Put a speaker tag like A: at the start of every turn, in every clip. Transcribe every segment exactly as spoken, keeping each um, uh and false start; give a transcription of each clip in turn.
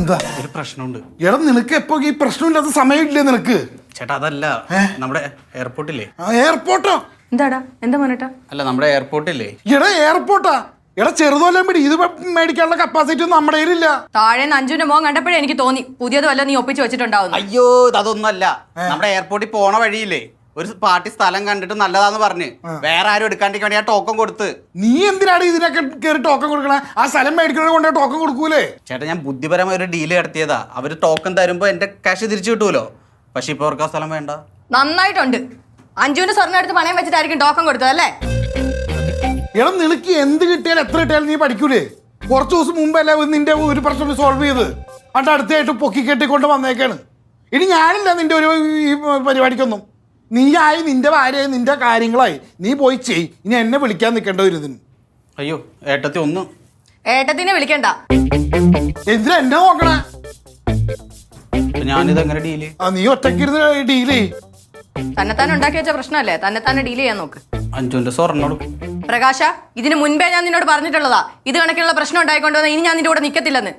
A: എന്താ
B: ഒരു പ്രശ്നമുണ്ട്.
A: എടാ നിനക്ക് എപ്പോ ഈ പ്രശ്നമില്ലാത്ത സമയമില്ലേ നിനക്ക്?
B: ചേട്ടാ അതല്ല, നമ്മുടെ എയർപോർട്ടില്ലേ.
A: എയർപോർട്ടോ?
C: എന്താടാ എന്താ മോനേട്ടാ?
B: അല്ല നമ്മുടെ എയർപോർട്ടില്ലേ.
A: എടാ എയർപോർട്ടാ? എടാ ചെറുതോലം പിടി, ഇത് മേടിക്കാനുള്ള കപ്പാസിറ്റി ഒന്നും നമ്മുടെ കയ്യിലില്ല.
C: താഴെ അഞ്ചുവിന്റെ മോൻ കണ്ടപ്പോഴേ എനിക്ക് തോന്നി പുതിയത് വല്ല നീ ഒപ്പിച്ച് വെച്ചിട്ടുണ്ടാവും.
B: അയ്യോ അതൊന്നുമല്ല, നമ്മുടെ എയർപോർട്ടിൽ പോണ വഴിയില്ലേ ഒരു പാർട്ടി സ്ഥലം കണ്ടിട്ട് നല്ലതാന്ന് പറഞ്ഞ് വേറെ ആരും എടുക്കാണ്ടിരിക്കാൻ വേണ്ടി ആ ടോക്കൺ കൊടുത്ത്.
A: നീ എന്തിനാണ് ഇതിനൊക്കെ കയറി ടോക്കൺ കൊടുക്കണേ? ആ സ്ഥലം മേടിക്കണത് കൊണ്ട് ടോക്കൺ കൊടുക്കൂലേ?
B: ചേട്ടാ ഞാൻ ബുദ്ധിപരമായ ഒരു ഡീല് നടത്തിയതാ. അവര് ടോക്കൺ തരുമ്പോ എന്റെ കാശ് തിരിച്ചു കിട്ടുമല്ലോ. പക്ഷെ ഇപ്പൊ അവർക്ക് ആ സ്ഥലം വേണ്ട.
C: നന്നായിട്ടുണ്ട്. അഞ്ചുവിന്റെ സ്വർണ്ണം എടുത്ത് പണയം വെച്ചിട്ടായിരിക്കും ടോക്കൺ കൊടുത്തത് അല്ലേ?
A: എടാ നിനക്ക് എന്ത് കിട്ടിയാലും എത്ര കിട്ടിയാലും നീ പഠിക്കൂലേ? കുറച്ച് ദിവസം മുമ്പല്ലേ നിന്റെ ഒരു പ്രശ്നം സോൾവ് ചെയ്ത് അണ്ട് അടുത്തായിട്ട് പൊക്കി കെട്ടിക്കൊണ്ട് വന്നേക്കാണ്. ഇനി ഞാനില്ല നിന്റെ ഒരു ഈ പരിപാടിക്കൊന്നും. നീയായി നിന്റെ ഭാര്യയായി നിന്റെ കാര്യങ്ങളായി നീ പോയി ചെയ്. ഇനി എന്നെ വിളിക്കാൻ നിൽക്കേണ്ട ഒരു ഇതിന്.
B: അയ്യോ ഏട്ടത്തി ഒന്ന്.
C: ഏട്ടത്തിനെ വിളിക്കണ്ട.
A: എന്തിനാ എന്നെ നോക്കണേ?
B: ഞാനിത് എങ്ങനെ ഡീല്?
A: ആ നീ ഒറ്റക്കിരുന്ന് ഡീൽ ചെയ്.
C: തന്നെത്താൻ ഉണ്ടാക്കി വെച്ച പ്രശ്നമല്ലേ, തന്നെത്താനെ ഡീൽ ചെയ്യാൻ നോക്ക്.
B: അഞ്ചുവിന്റെ സ്വർണ്ണം
C: പ്രകാശ, ഇതിന് മുൻപേ ഞാൻ നിന്നോട് പറഞ്ഞിട്ടുള്ളതാ ഇത് കണക്കിനുള്ള പ്രശ്നം ഉണ്ടായിക്കൊണ്ടുവന്ന ഇനി ഞാൻ നിന്റെ കൂടെ നിൽക്കത്തില്ലെന്ന്.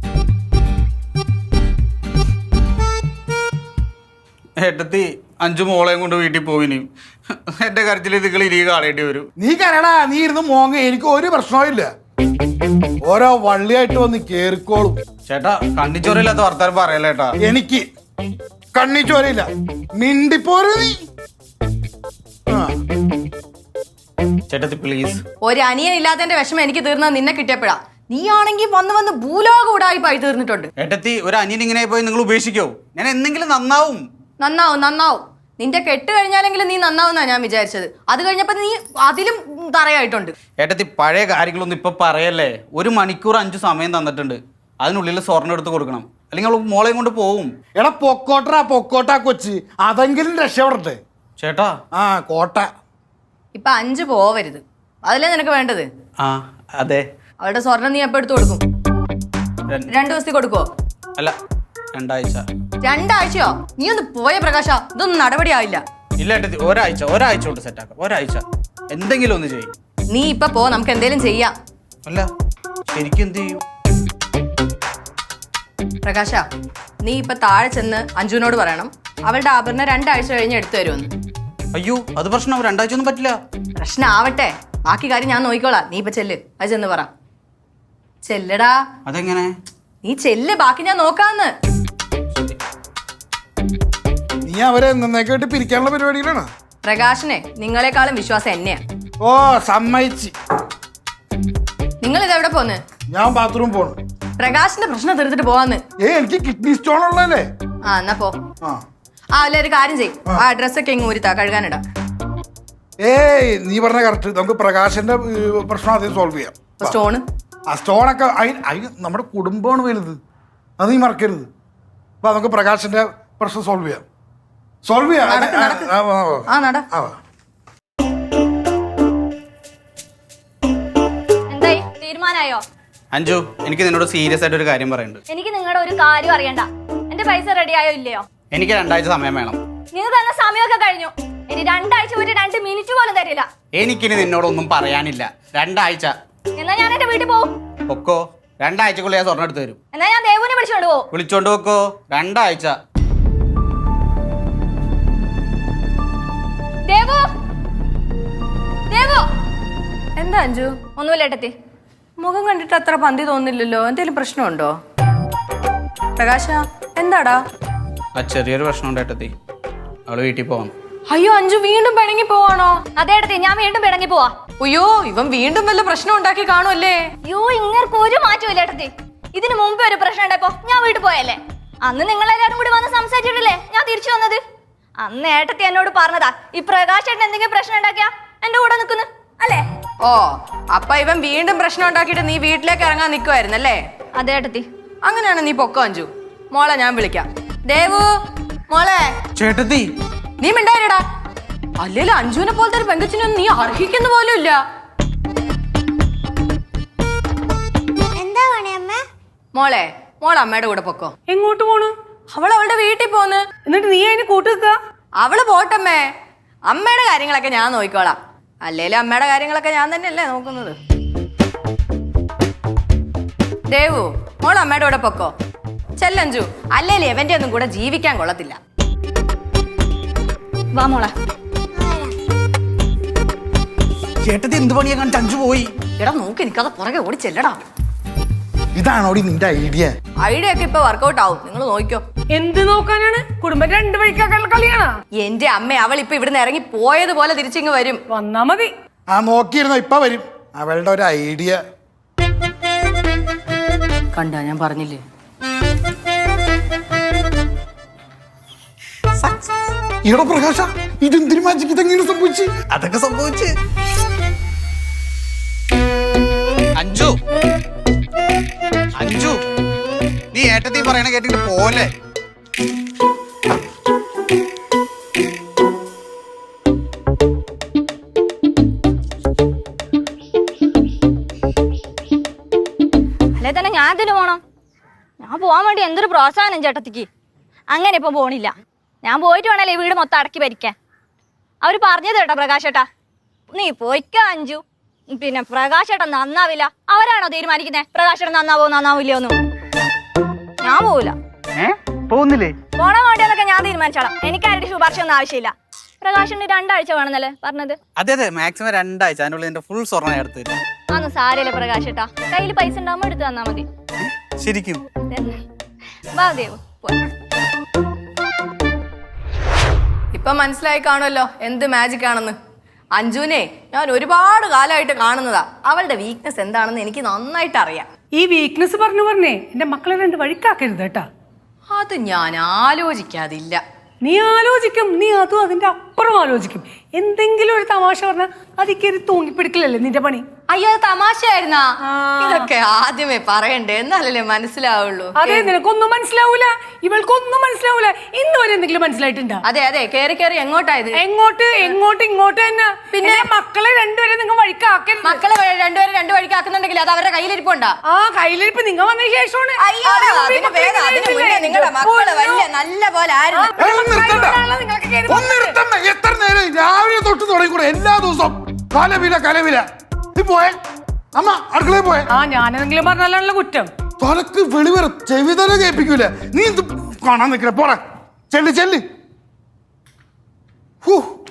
B: ഏട്ടത്തി അഞ്ചു മോളെയും കൊണ്ട് വീട്ടിൽ പോയിനി. എന്റെ കരച്ചിൽ നിങ്ങൾ ഇരി കാണേണ്ടി വരും.
A: നീ കരടാ, നീ ഇരുന്ന് മോങ്ങ, എനിക്ക് ഒരു പ്രശ്നവും ഇല്ല. ഓരോ വള്ളിയായിട്ട് വന്ന് കേറിക്കോളും.
B: ചേട്ടാ കണ്ണിച്ചോരയില്ലാത്ത വർത്താനം പറയല്ലേട്ടാ.
A: എനിക്ക് കണ്ണിച്ചോരയില്ല, മിണ്ടിപ്പോരു നീ.
B: ചേട്ടത്തി പ്ലീസ്.
C: ഒരു അനിയൻ ഇല്ലാത്തതിന്റെ വിഷമം എനിക്ക് തീർന്നത് നിന്നെ കിട്ടിയപ്പോഴാ. നീ ആണെങ്കിൽ വന്ന് വന്ന് ഭൂലോക ഉടായിപ്പായി തീർന്നിട്ടുണ്ട്.
B: ഏട്ടത്തി ഒരു അനിയൻ ഇങ്ങനെ പോയി നിങ്ങൾ ഉപേക്ഷിക്കോ? ഞാൻ എന്തെങ്കിലും നന്നാവും.
C: നന്നാവും നന്നാവും. നിന്റെ കെട്ട് കഴിഞ്ഞാലെങ്കിലും നീ നന്നാവുന്നാ ഞാൻ വിചാരിച്ചത്. അത് കഴിഞ്ഞപ്പോ നീ അതിലും തറയായിട്ടുണ്ട്.
B: ഏട്ടത്തി പഴയ കാര്യങ്ങളൊന്നും ഇപ്പൊ പറയല്ലേ. ഒരു മണിക്കൂർ അഞ്ചു സമയം തന്നിട്ടുണ്ട്. അതിനുള്ളിൽ സ്വർണ്ണം എടുത്ത് കൊടുക്കണം, അല്ലെങ്കിൽ മോളെയും കൊണ്ട് പോവും.
A: എടാ പൊക്കോട്ടാ പൊക്കോട്ടാ കൊച്ച്, അതെങ്കിലും രക്ഷപ്പെടട്ടെ.
B: ചേട്ടാ
A: ആ കോട്ട
C: ഇപ്പൊ അഞ്ച് പോവരുത്, അതല്ലേ നിനക്ക് വേണ്ടത്?
B: ആ അതെ.
C: അവളുടെ സ്വർണം നീ എപ്പോ എടുത്തു കൊടുക്കും? രണ്ടു ദിവസത്തിൽ കൊടുക്കുവോ?
B: അല്ല രണ്ടാഴ്ച.
C: രണ്ടാഴ്ചയോ? നീ ഒന്ന് പോയ പ്രകാശ, ഇതൊന്നും നടപടിയാവില്ല.
B: ഇല്ല ഏട്ടത്തി ഒരാഴ്ച ഒരാഴ്ച കൊണ്ട് സെറ്റാക്കാം. ഒരാഴ്ച എന്തെങ്കിലും ഒന്ന് ചെയ്യും.
C: നീ ഇപ്പൊ പോ, നമുക്ക് എന്തെങ്കിലും ചെയ്യാം.
B: അല്ല ശരിക്കും എന്ത് ചെയ്യും?
C: പ്രകാശ, നീ ഇപ്പൊ താഴെ ചെന്ന് അഞ്ജുവിനോട് പറയണം അവളുടെ ആഭരണം രണ്ടാഴ്ച കഴിഞ്ഞ് എടുത്തു തരുമെന്ന്.
B: അയ്യോ അത് പ്രശ്നം, രണ്ടാഴ്ച ഒന്നും പറ്റില്ല.
C: പ്രശ്നം ആവട്ടെ, ബാക്കി കാര്യം ഞാൻ നോക്കിക്കോളാം. നീ ഇപ്പൊ ചെല്ല്, അത് ചെന്ന് പറ. ചെല്ലടാ.
B: അതെങ്ങനെ?
C: നീ ചെല്ല്, ബാക്കി ഞാൻ നോക്കാന്ന്.
A: നീ അവരെ എന്നേക്കായിട്ട് പിരിക്കാനുള്ള പരിപാടിയിലാണ്.
C: പ്രകാശനെ നിങ്ങളെക്കാളും വിശ്വാസം എന്നെയാ.
A: ഓ സമ്മതിച്ച്.
C: നിങ്ങൾ ഇതെവിടെ പോന്ന്?
A: ഞാൻ ബാത്റൂം പോണു.
C: പ്രകാശിന്റെ പ്രശ്നം തീർത്തിട്ട് പോവാന്ന്.
A: ഏ എനിക്ക് കിഡ്നി സ്റ്റോൺ ഉള്ളതല്ലേ.
C: ആ എന്നാ പോ.
A: ആ
C: ആ അല്ല ഒരു കാര്യം ചെയ്യും, ആ ഡ്രസ്സൊക്കെ ഇങ്ങ് ഊരിത്താ, കഴുകാനിടാ.
A: ഏയ് നീ പറഞ്ഞ കറക്റ്റ്. നമുക്ക് പ്രകാശന്റെ പ്രശ്നം ആദ്യം സോൾവ് ചെയ്യാം.
C: സ്റ്റോണ്
A: ആ സ്റ്റോണൊക്കെ അതിന് നമ്മുടെ കുടുംബമാണ് വലുത്, അത് നീ മറക്കരുത്. അപ്പൊ നമുക്ക് പ്രകാശന്റെ പ്രശ്നം സോൾവ് ചെയ്യാം. സോൾവ് ചെയ്യാം.
C: ആ നട.
D: എന്തായി, തീരുമാനമായോ?
B: അഞ്ജു എനിക്ക് നിന്നോട് സീരിയസ് ആയിട്ട് ഒരു കാര്യം പറയുന്നുണ്ട്.
D: എനിക്ക് നിങ്ങളുടെ ഒരു കാര്യം അറിയണ്ട. എന്റെ പൈസ റെഡി ആയോ ഇല്ലയോ?
B: എനിക്ക് രണ്ടാഴ്ച സമയം വേണം.
D: നിങ്ങൾ തന്ന സമയമൊക്കെ കഴിഞ്ഞു. ഇനി രണ്ടാഴ്ച ഒരു രണ്ട് മിനിറ്റ് പോലും തരില്ല.
B: എനിക്കിനി നിന്നോടൊന്നും പറയാനില്ല. രണ്ടാഴ്ച.
D: എന്നാ ഞാൻ എന്റെ വീട്ടിൽ പോവും.
B: ഒക്കോ രണ്ടാഴ്ചക്കുള്ളിൽ ഞാൻ സ്വർണ്ണം എടുത്ത് തരും.
D: എന്നാ ഞാൻ ദേവുവിനെ വിളിച്ചോണ്ട് പോവും.
B: വിളിച്ചോണ്ട് വെക്കോ. രണ്ടാഴ്ച.
D: ദേവു, ദേവു.
C: എന്താ അഞ്ജു?
D: ഒന്നുമില്ല ഏട്ടത്തി.
C: മുഖം കണ്ടിട്ട് അത്ര പന്തി തോന്നില്ലല്ലോ. എന്തെങ്കിലും പ്രശ്നമുണ്ടോ? പ്രകാശ എന്താടാ?
B: ആ ചെറിയൊരു പ്രശ്നം ഉണ്ട് ഏട്ടത്തി. അവള് വീട്ടിൽ പോവാം.
C: അയ്യോ അഞ്ജു വീണ്ടും പിണങ്ങി പോവാണോ?
D: അതെ ഏട്ടത്തി, ഞാൻ വീണ്ടും പിണങ്ങി പോവാ.
C: അയ്യോ ഇവൻ വീണ്ടും വല്ല പ്രശ്നം ഉണ്ടാക്കി കാണുമല്ലേ?
D: അയ്യോ ഇങ്ങർക്ക് ഒരു മാറ്റമില്ല ഏട്ടത്തി. ഇതിന് മുമ്പേ ഒരു പ്രശ്നം ഉണ്ടായപ്പോ ഞാൻ വീട്ടിൽ പോയല്ലേ. അന്ന് നിങ്ങളെല്ലാരും കൂടി വന്ന് സംസാരിച്ചിട്ടില്ലേ ഞാൻ തിരിച്ചു വന്നത്. അന്ന് ഏട്ടത്തി എന്നോട് പറഞ്ഞതാ ഈ പ്രകാശ് ഏട്ടൻ എന്തെങ്കിലും പ്രശ്നം ഉണ്ടാക്കിയാ എന്റെ കൂടെ നിൽക്കുന്നു അല്ലേ?
C: ഓ അപ്പൊ ഇവൻ വീണ്ടും പ്രശ്നം ഉണ്ടാക്കിയിട്ട് നീ വീട്ടിലേക്ക് ഇറങ്ങാൻ നിൽക്കുമായിരുന്നല്ലേ?
D: അതെ ഏട്ടത്തി.
C: അങ്ങനെയാണ് നീ പൊക്കോ അഞ്ജു. മോളെ ഞാൻ വിളിക്കാം. ദേവു മോളെ.
B: ചേട്ടത്തി
C: നീ മിണ്ടായിരടാ. അല്ലേലും അഞ്ജുവിനെ പോലത്തെ ഒരു പെങ്കച്ചിനൊന്നും നീ അർഹിക്കുന്ന പോലും ഇല്ല.
D: എന്താ പണിയമ്മ?
C: മോളെ മോളെ അമ്മയുടെ കൂടെ പൊക്കോ.
E: എങ്ങോട്ട് പോണു?
C: അവൾ അവളുടെ വീട്ടിൽ പോന്ന്.
E: എന്നിട്ട് നീ അതിന് കൂട്ടുക?
C: അവള് പോട്ടമ്മേ, അമ്മയുടെ കാര്യങ്ങളൊക്കെ ഞാൻ നോക്കിക്കോളാം. അല്ലേലും അമ്മയുടെ കാര്യങ്ങളൊക്കെ ഞാൻ തന്നെയല്ലേ നോക്കുന്നത്. ദേവു മോൾ അമ്മയുടെ കൂടെ പൊക്കോ. ചെല്ലഞ്ചു, അല്ലേലും എവന്റെ ഒന്നും കൂടെ ജീവിക്കാൻ കൊള്ളത്തില്ല.
D: വാ മോളെ.
B: ചേട്ടത്തി എന്ത് പണിയാ കണ്ടിട്ട് അഞ്ചു പോയി?
C: എടാ നോക്കി നിൽക്കാതെ പുറകെ ഓടി ചെല്ലടാ.
A: ഇതാണോടി നിന്റെ ഐഡിയ?
C: ഐഡിയ ഒക്കെ ഇപ്പൊ വർക്കൗട്ട് ആവും, നിങ്ങൾ നോക്കിക്കോ.
E: എന്ത് നോക്കാനാണ്? കുടുംബം രണ്ടു വഴിക്കാക്കാനുള്ള കളിയാണോ?
C: എന്റെ അമ്മ, അവൾ ഇപ്പൊ ഇവിടുന്ന് ഇറങ്ങി പോയതുപോലെ തിരിച്ചിങ്ങ് വരും.
E: വന്നാ മതി.
A: ആ നോക്കിയിരുന്നോ, ഇപ്പൊ വരും. അവളുടെ ഒരു ഐഡിയ
C: കണ്ടാ, ഞാൻ പറഞ്ഞില്ലേ.
A: ഈടോ പ്രകാശ, ഇതെന്തിനു മാജിക്ക് ഇതെങ്ങനെ സംഭവിച്ചു?
B: അതൊക്കെ സംഭവിച്ച് അഞ്ചു അഞ്ചു നീ ഏട്ടത്തി പറയണ കേട്ടിട്ട് പോലെ.
D: അല്ലെ തന്നെ ഞാൻ ഇതിന് പോണം. ഞാൻ പോവാൻ വേണ്ടി എന്തൊരു പ്രോത്സാഹനം ചേട്ടത്തിക്ക്. അങ്ങനെ ഇപ്പൊ പോണില്ല. ഞാൻ പോയിട്ട് വേണല്ലേ ഈ വീട് മൊത്തം അടക്കി ഭരിക്കാൻ. അവര് പറഞ്ഞത് കേട്ടോ പ്രകാശേട്ടാ, നീ പോയിക്ക അഞ്ചു. പിന്നെ പ്രകാശേട്ടൻ നന്നാവില്ല. അവരാണോ തീരുമാനിക്കുന്നത് പ്രകാശേട്ടൻ നന്നാവോ നന്നാവില്ലയോ ഒന്നും? ഞാൻ പോവില്ല.
B: പോകുന്നില്ലേ?
D: പോണ വേണ്ടിയെന്നൊക്കെ ഞാൻ തീരുമാനിച്ചോളാം. എനിക്ക് ആരുടെ ശുപാർശ ഒന്നും ആവശ്യമില്ല. പ്രകാശന് രണ്ടാഴ്ച വേണമെന്നല്ലേ പറഞ്ഞത്?
B: അതെ അതെ, മാക്സിമം രണ്ടാഴ്ച. അതിനുള്ളിൽ എന്റെ ഫുൾ സ്വർണ്ണം എടുത്തു തരും.
D: അന്ന് സാരല്ലേ പ്രകാശേട്ടാ, കയ്യിൽ പൈസ ഉണ്ടാകുമ്പോ എടുത്തു തന്നാ മതി.
B: ശരിക്കും?
D: വാ ദേവ് പോയി.
C: ഇപ്പൊ മനസ്സിലായി കാണുമല്ലോ എന്ത് മാജിക് ആണെന്ന്. അഞ്ജുനെ ഞാൻ ഒരുപാട് കാലമായിട്ട് കാണുന്നതാ. അവളുടെ വീക്ക്നെസ് എന്താണെന്ന് എനിക്ക് നന്നായിട്ട് അറിയാം.
E: ഈ വീക്ക്നെസ് പറഞ്ഞു പറഞ്ഞേ എന്റെ മക്കളെ രണ്ട് വഴിക്കാക്കരുത് കേട്ടാ.
C: അത് ഞാൻ ആലോചിക്കാതില്ല.
E: നീ ആലോചിക്കും, നീ അതും അതിന്റെ അപ്പുറം ആലോചിക്കും. എന്തെങ്കിലും ഒരു തമാശ പറഞ്ഞാൽ അതിക്കേറി തൂങ്ങിപ്പിടിക്കലല്ലേ നിന്റെ പണി.
C: അയ്യോ, അത് തമാശയായിരുന്നാ? ഇതൊക്കെ ആദ്യമേ പറയണ്ടേ, എന്നാലല്ലേ മനസ്സിലാവുള്ളൂ.
E: അതെ, നിനക്കൊന്നും മനസ്സിലാവൂല, ഇവൾക്കൊന്നും മനസ്സിലാവൂല. ഇന്ന് വരെ എന്തെങ്കിലും മനസ്സിലായിട്ടുണ്ടോ?
C: അതെ അതെ, കേറി കേറി എങ്ങോട്ടായത്?
E: എങ്ങോട്ട് എങ്ങോട്ട് ഇങ്ങോട്ട് തന്നെ. പിന്നെ മക്കളെ രണ്ടുപേരെ നിങ്ങൾ വഴിക്കാക്കരുത്.
C: മക്കളെ വ- രണ്ടുപേരും രണ്ടു വഴിക്ക് ആക്കുന്നുണ്ടെങ്കിൽ അത് അവരുടെ കയ്യിലിരിപ്പുണ്ടാ.
E: ആ കയ്യിലിരിപ്പ് നിങ്ങൾ വന്ന ശേഷമാണ്.
C: അയ്യോ,
E: അതിന് മുമ്പ് ഈ
C: അതിന്
E: മക്കളെ
C: വേഗം, അതിന്
E: കയ്യിലിരിപ്പില്ലേ?
C: മുന്നേ നിങ്ങളുടെ മക്കള് വലിയ നല്ല പോലെ ആയിരുന്നു.
A: ഏയ്, ഒന്ന് നിർത്തണ്ട.
E: നിങ്ങളൊക്കെ കേറി
A: ഒന്ന് നിർത്തണ്ട. എത്ര നേരം രാവിലെ തൊട്ട് തുടങ്ങിക്കൂടെ എല്ലാ ദിവസവും കലവില കലവില. നീ പോയെ അമ്മ, അടുക്കളയിൽ പോയെ.
E: ആ ഞാനെന്തെങ്കിലും പറഞ്ഞാലാണല്ലോ കുറ്റം.
A: തലക്ക് വെളിവര ചെവിതല കേൾപ്പിക്കൂല. നീ ഇത് കാണാൻ നിൽക്കില്ല, പോടാ. ചെല്ലി ചെല്ലി. ഹൂ